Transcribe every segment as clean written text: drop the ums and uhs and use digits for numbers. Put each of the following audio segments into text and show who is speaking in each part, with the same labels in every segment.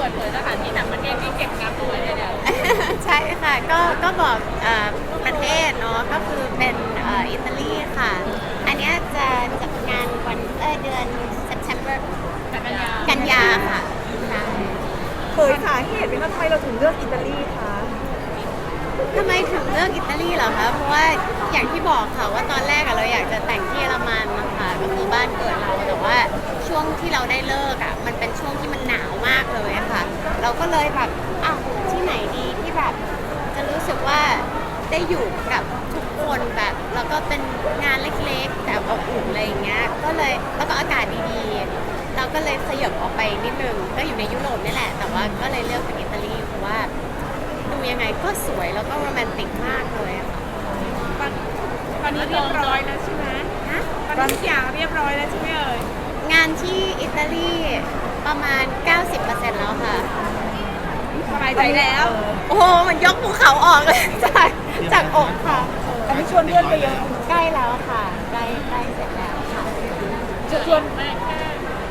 Speaker 1: ปิดเผยสถานที่ต่างประเทศที่เก็บงานตัวเนี่ย
Speaker 2: ใช่ค่ะก็บอกประเทศเนาะก็คือเป็นอิตาลีค่ะอันเนี้ยจะจัดงานวันเดือน September กันยาค่ะใช่
Speaker 3: เคยสาเหตุเป็นว่าทำไมเราถึงเลือกอิตาลีคะ
Speaker 2: ทำไมถึงเลือกอิตาลีเหรอคะเพราะว่าอย่างที่บอกค่ะว่าตอนแรกเราอยากจะแต่งที่เยอรมันนะคะก็คือบ้านเกิดเราแต่ว่าช่วงที่เราได้เลิกมันเป็นช่วงที่มันหนาวมากเลยค่ะเราก็เลยแบบที่ไหนดีที่แบบจะรู้สึกว่าได้อยู่กับทุกคนแบบแล้วก็เป็นงานเล็กๆแต่อบอุ่นอะไรอย่างเงี้ยก็เลยแล้วก็อากาศดีๆเราก็เลยขยับออกไปนิดนึงก็อยู่ในยุโรปนี่แหละแต่ว่าก็เลยเลือกเป็นอิตาลีเพราะว่าดูยังไงก็สวยแล้วก็โรแมนติกมากเลยค่ะ
Speaker 1: ตอนนี้เรียบร้อยแล้วใช่ไหมตอนนี้ทุกอย่างเรียบร้อยแล้วใช่ไหมเอ่ย
Speaker 2: งานที่อิตาลีประมาณ 90% แล้วค่ะ
Speaker 1: สบายใจแล้ว
Speaker 2: โอ้โหมันยกภูเขาออกเลย จากอกค่ะ
Speaker 3: อันนี้ชวนเพื่อนไปเยอะ
Speaker 2: ใกล้แล้วค่ะใกล้เสร็จแล้วค่ะ
Speaker 3: ชวน
Speaker 1: แม่แค่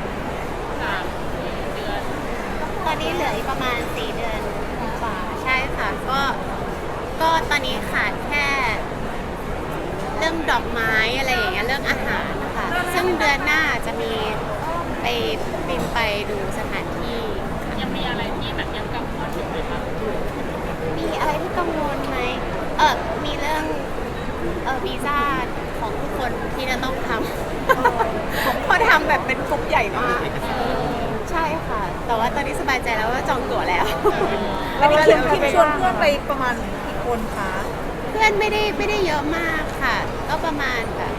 Speaker 1: 3-4 เดือน
Speaker 2: ตอนนี้เหลืออีกประมาณ 4 เดือนกว่าใช่ค่ะก็ตอนนี้ขาดแค่เรื่องดอกไม้อะไรอย่างเงี้ยเรื่องอาหารนะคะซึ่งเดือนหน้าจะมีไปบินไปดูสถานที่
Speaker 1: ยังมีอะไรที่แบบยังกังวลอยู่ไหมคะ
Speaker 2: มีอะไรที่กังวลไหมมีเรื่องวีซ่าของทุกคนที่จะต้องทำ เพราะทำแบบเป็นกลุ่มใหญ่มากใช่ค่ะ แต่ว่าตอนนี้สบายใจแล้วว่าจองตั๋วแล้ว
Speaker 3: อันนี้คิมชวนเพื่อนไปประมาณกี่คนคะ
Speaker 2: เพื่อนไม่ได้เยอะมากค่ะ ก็ประมาณแบบ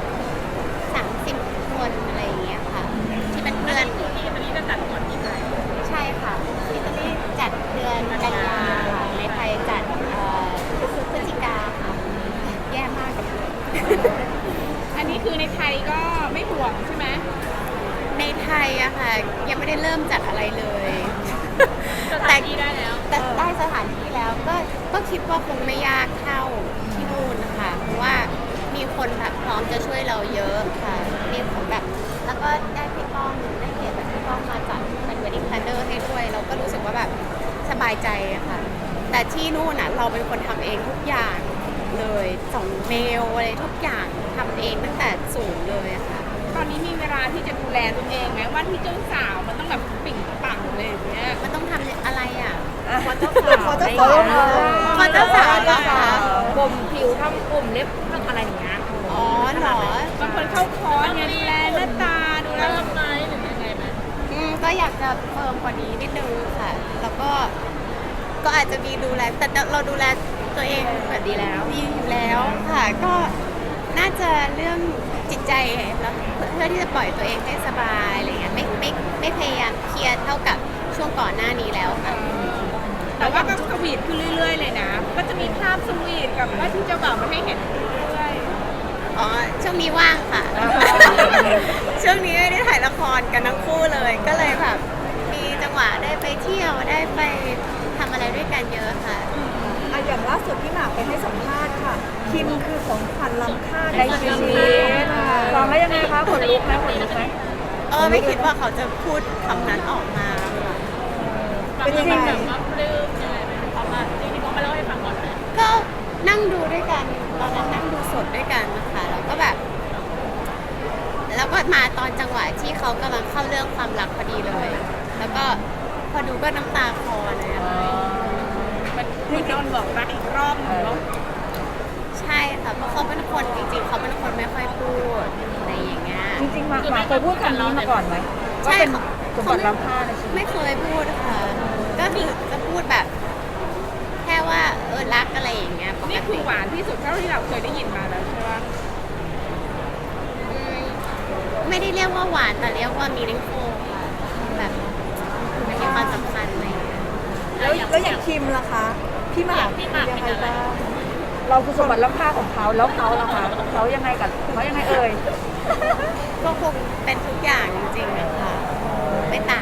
Speaker 2: 30 คนอะไรอย่างเงี้ยค่ะ ที่เป็นเพื่อน
Speaker 1: ที่วันนี้จะจัดก่อนที่ไทย
Speaker 2: ใช่ค่ะอิตาลีจัดเดือนกันยาค่ะในไทยจัดพฤศจิกาค่ะแย่มากกับเพื่อน
Speaker 1: อันนี้คือในไทยก็ไม่ห่วงใช่ไหม
Speaker 2: ในไทยอะค่ะยังไม่ได้เริ่มจัดอะไรเลย
Speaker 1: สถานที่ได้แล้ว
Speaker 2: แต่ได้สถานที่แล้วก็คิดว่าคงไม่ยากเท่าที่นู่นนะคะเพราะว่ามีคนแบบพร้อมจะช่วยเราเยอะค่ะมีคนแบบแล้วก็ได้พี่ป้องได้เกียรติแบบพี่ป้องมาจัดเป็น wedding planner ให้ด้วยเราก็รู้สึกว่าแบบสบายใจอะค่ะแต่ที่นู่นอะเราเป็นคนทำเองทุกอย่างเลยส่งเมลอะไรทุกอย่างทำเองตั้งแต่ศูนย์เลยอะค่ะ
Speaker 1: ตอนนี้มีเวลาที่จะดูแลตัวเองไหมว่าที่เจ้าสาวมันต้องแบบปิ่งปังเลยอย่างเงี้ย
Speaker 2: มันต้องทำอะไรอ่ะ
Speaker 3: ขอเจ้าสาว
Speaker 2: ขอเจ้าสาวเหรอคะ
Speaker 1: กลมผิวทำกลุ่มเล็บทำอะไรอย่างเงี้ย
Speaker 2: อ๋อเหรอบ
Speaker 1: างคนเข้าคอร์สเนี่ยดูแลหน้าตาดูแลไหมหรือยังไงไหม
Speaker 2: ก็อยากจะเพิ่มกว่านี้นิดนึงค่ะ แล้วก็อาจจะมีดูแลแต่เราดูแลตัวเองแบบดีแล้วดีอยู่แล้วค่ะ ก็น่าจะเรื่องจิตใจแล้วเพื่อที่จะปล่อยตัวเองให้สบายอะไรเงี้ยไม่พยายามเครียดเท่ากับช่วงก่อนหน้านี้แล้วค่ะ
Speaker 1: แต่ว่าก็สวีทขึ้นเรื่อยๆเลยนะ ก็จะมีภาพสวีทกับว่าที่เจ้าบ่าวมาให้เห็นเรื่อย
Speaker 2: อ๋อช่วงนี้ว่างค่ะ ช่วงนี้ไม่ได้ถ่ายละครกันทั้งคู่เลย ก็เลยแบบมีจังหวะได้ไปเที่ยวได้ไปทำอะไรด้วยกันเยอะค่ะ
Speaker 3: อย่างล่าสุดพี่หมากไปให้สัมภาษณ์ค่ะ คิมคือของขวัญล้ำค่าในชีวิต
Speaker 1: ฟังแล้วยังไงคะขนลุกไหมขนลุกไหม
Speaker 2: ไม่คิดว่าเขาจะพูดคำนั้นออกมาค่ะ
Speaker 3: เป็นยังไง
Speaker 1: แบบว่าปลื้มยังไงไหมเขามาจริงๆเขามาเล่าให้ฟังก่อนไหม
Speaker 2: ก็นั่งดูด้วยกันตอนนั้นนั่งดูสดด้วยกันนะคะแล้วก็แบบ แล้วก็มาตอนจังหวะที่เขากำลังเข้าเรื่องความรักพอดีเลย แล้วก็พอดูก็น้ำตาคลอเลยอะค่ะ
Speaker 1: มันคุณโดนบอกรักอีกรอบหนึ่งเนาะ
Speaker 2: ใช่ค่ะเพราะเขาเป็นคนจริงๆเขาเป็นคนไม่ค่อยพูดอะไรอย่างเงี้ย
Speaker 3: จริงๆหมากเคยพูดคำนี้มาก่อนไหม
Speaker 2: ใช่
Speaker 3: ว่าเป็น
Speaker 2: เขา
Speaker 3: สมบัติล้ำค่าในชีวิต
Speaker 2: ไม่เคยพูดค่ะ ก็คือจะพูดแบบ แค่ว่ารักอะไรอย่างเงี้ยปก
Speaker 1: นี่คื
Speaker 2: ติ
Speaker 1: อหวานที่สุดเท่าที่เราเคยได้ยินมาแล้วใช่ไหม
Speaker 2: อืมไม่ได้เรียกว่าหวานแต่เรียกว่า meaningful ค่ะแบบมันมีความสำคัญอะไรอย่างเงี้ย
Speaker 3: แล้วอย่างคิมล่ะคะ พี่หมาก
Speaker 1: พี่หมาก
Speaker 3: ยัง
Speaker 1: เป็น
Speaker 3: ไง
Speaker 1: อะไร
Speaker 3: บ้างเราคือสมบัติล้ำค่าของเขาแล้วเขาล่ะคะเขายังไงกับเขายังไงเอ่ย
Speaker 2: ก็คงเป็นทุกอย่างจริงๆนะคะไม่ต่าง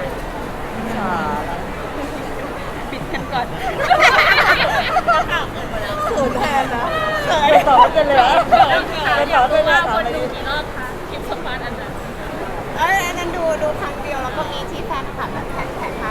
Speaker 2: ปิดกันก่อน
Speaker 3: เขินแทนนะ
Speaker 2: เขิน
Speaker 3: ไปต่อกันเลยเหรอไปต่อกันเลย
Speaker 1: ค
Speaker 3: ถาม
Speaker 1: น
Speaker 3: ไป
Speaker 1: ดู
Speaker 3: ดิ
Speaker 1: กี่รอบคะคลิปสมภาษณ์อันนั้น
Speaker 2: อันนั้นดูครั้งเดียวแล้วก็มีที่แฟนคลับแบบแท็กมาเป็น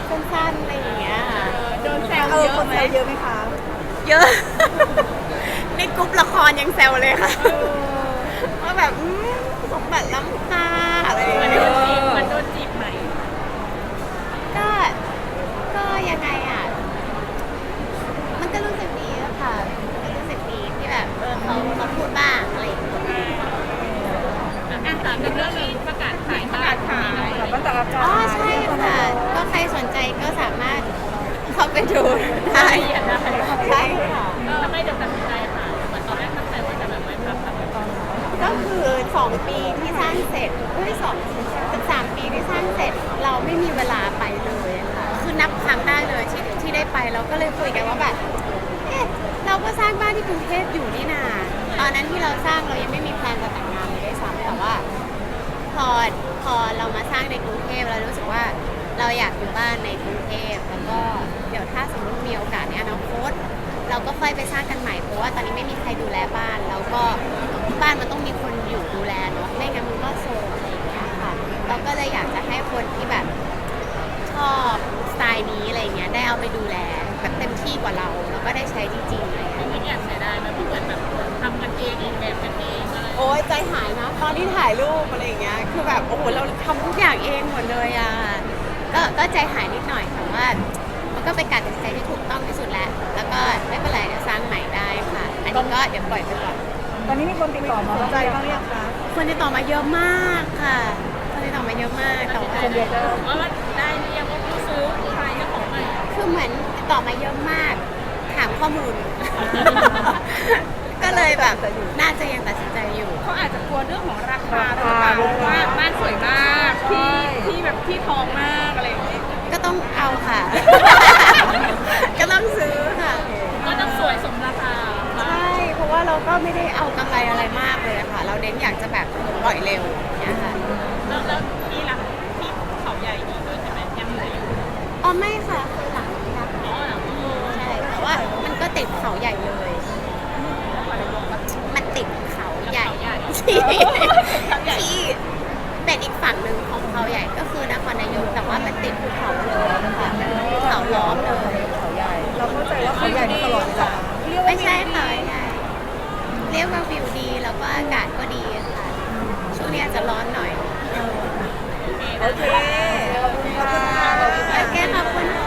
Speaker 2: สั้นๆอะไรอย่างเงี้ยค่ะ
Speaker 1: โดนแซว
Speaker 3: เอ
Speaker 1: เย
Speaker 3: อ
Speaker 1: อะ
Speaker 3: คน
Speaker 1: ไหม
Speaker 3: แซวเยอะไหมคะ
Speaker 2: เยอะ ในกลุ่มละครยังแซวเลยค่ะว่าแบบสมบัติล้ำค่าอะไรอย่าง
Speaker 1: มัน
Speaker 2: เงี้
Speaker 1: โด
Speaker 2: ย
Speaker 1: นจีบมันโดนจีบไหม
Speaker 2: ก็ก็ยังไงอ่ะ มันก็รู้สึกดีอะค่ะก็รู้สึกดีที่แบบเขาพูดบ้างอะไรอย่างเงี้ย
Speaker 1: อ่ะถามถึงเรื่องนี้ประกาศขาย
Speaker 3: แบบว่าแต่ละการ
Speaker 2: อ๋อใช่ค่ะ ก็ใครสนใจก็สามารถเข้าไปดูได้ใช่ค่ะ
Speaker 1: ทำไมเดี๋ยวตัดสินใจค่ะเหมือนตอนแรกตั้งใจว่าจะแบบไม่พักแต่ตอน
Speaker 2: ก็คือ 2 ปีที่สร้างเสร็จ3 ปีที่สร้างเสร็จ เราไม่มีเวลาไปเลยอะค่ะ คือนับครั้งได้เลยที่ได้ไปเราก็เลยคุยกันว่าแบบ เราก็สร้างบ้านที่กรุงเทพอยู่นี่นาตอนนั้นที่เราสร้างเรายังไม่มีแพลนจะแต่งงานเลยด้วยซ้ำแต่ว่า พอเรามาสร้างในกรุงเทพเรารู้สึกว่าเราอยากอยู่บ้านในกรุงเทพแล้วก็เดี๋ยวถ้าสมมติมีโอกาสในอนาคตเราก็ค่อยไปสร้างกันใหม่เพราะว่าตอนนี้ไม่มีใครดูแลบ้านแล้วก็บ้านมันต้องมีคนอยู่ดูแลเนาะไม่งั้นมันก็โซมอะไรอย่างเงี้ยค่ะเราก็เลยอยากจะให้คนที่แบบชอบสไตล์นี้อะไรเงี้ยได้เอาไปดูแลแบบเต็มที่กว่าเราแล้วก็ได้ใช้จริงๆอะไรเงี้ย
Speaker 1: ไม่อยากเสียดายมันเหมือนแบบทำกันเองออกแบบกันเองอะไร
Speaker 2: โอ้ยใจหายนะตอนที่ถ่ายรูปอะไรอย่างเงี้ยคือแบบโอ้โหเราทำทุกอย่างเองหมดเลยอ่ะก็ใจหายนิดหน่อยแต่ว่ามันก็เป็นการตัดสินใจที่ถูกต้องที่สุดแล้วแล้วก็ไม่เป็นไรเดี๋ยวสร้างใหม่ได้ค่ะ อันนี้ก็เดี๋ยวปล่อยไปก่อน
Speaker 3: ตอนนี้มีคนติดต่อมาใจบ้างหรือยังคะ
Speaker 2: คนติดต่อมาเยอะมากค่ะคนติดต่อมาเยอะมากแต่ว่า
Speaker 3: คนเดียวก็
Speaker 1: ว่ามันได้หรือยังว่าผู้ซื้อใครเจ้าของใหม่
Speaker 2: คือเหมือนติดต่อมาเยอะมากถามข้อมูล ก็เลยแบบน่าจะยังตัดสินใจอยู่
Speaker 1: เขาอาจจะกลัวเรื่องของราคาหรือเปล่าว่าบ้านสวยมากที่แบบที่ทองมากอะไรอย่างเงี้ย
Speaker 2: ก็ต้องเอาค่ะ ก็ต้องซื้อค่ะ
Speaker 1: ก็ต้องสวยสมราคา
Speaker 2: ใช่ เพราะว่าเราก็ไม่ได้เอากำไรอะไรมากเลยอะค่ะ เราเน้นอยากจะแบบปล่อยเร็วอย่างเนี่ยค่ะ
Speaker 1: แล้วนี่ล่ะที่เขาใหญ่นี่ด้วยใช่ไหมยังเหลืออยู่
Speaker 2: อ๋อไม่ค่ะคือหลังนี้นะ
Speaker 1: อ๋อเหรอ
Speaker 2: ใช่แต่ว่ามันก็ติดเขาใหญ่เลย มันติดเขาใหญ่ที่ที่เป็นอีกฝั่งหนึ่งของเขาใหญ่ก็คือนครนายกแต่ว่ามันติดภูเขาเลยค่ะภูเขาล้อมเลย
Speaker 3: เขาใหญ่ เราเข้าใจว่าเขาใหญ่มาตลอดเวลา
Speaker 2: ไม่ใช่เขาใหญ่เรียกว่าวิวดีแล้วก็อากาศก็ดีค่ะช่วงนี้อาจจะร้อนหน่อย
Speaker 3: โอเค ขอบคุณค่ะ
Speaker 2: โอเคขอบคุณค่ะ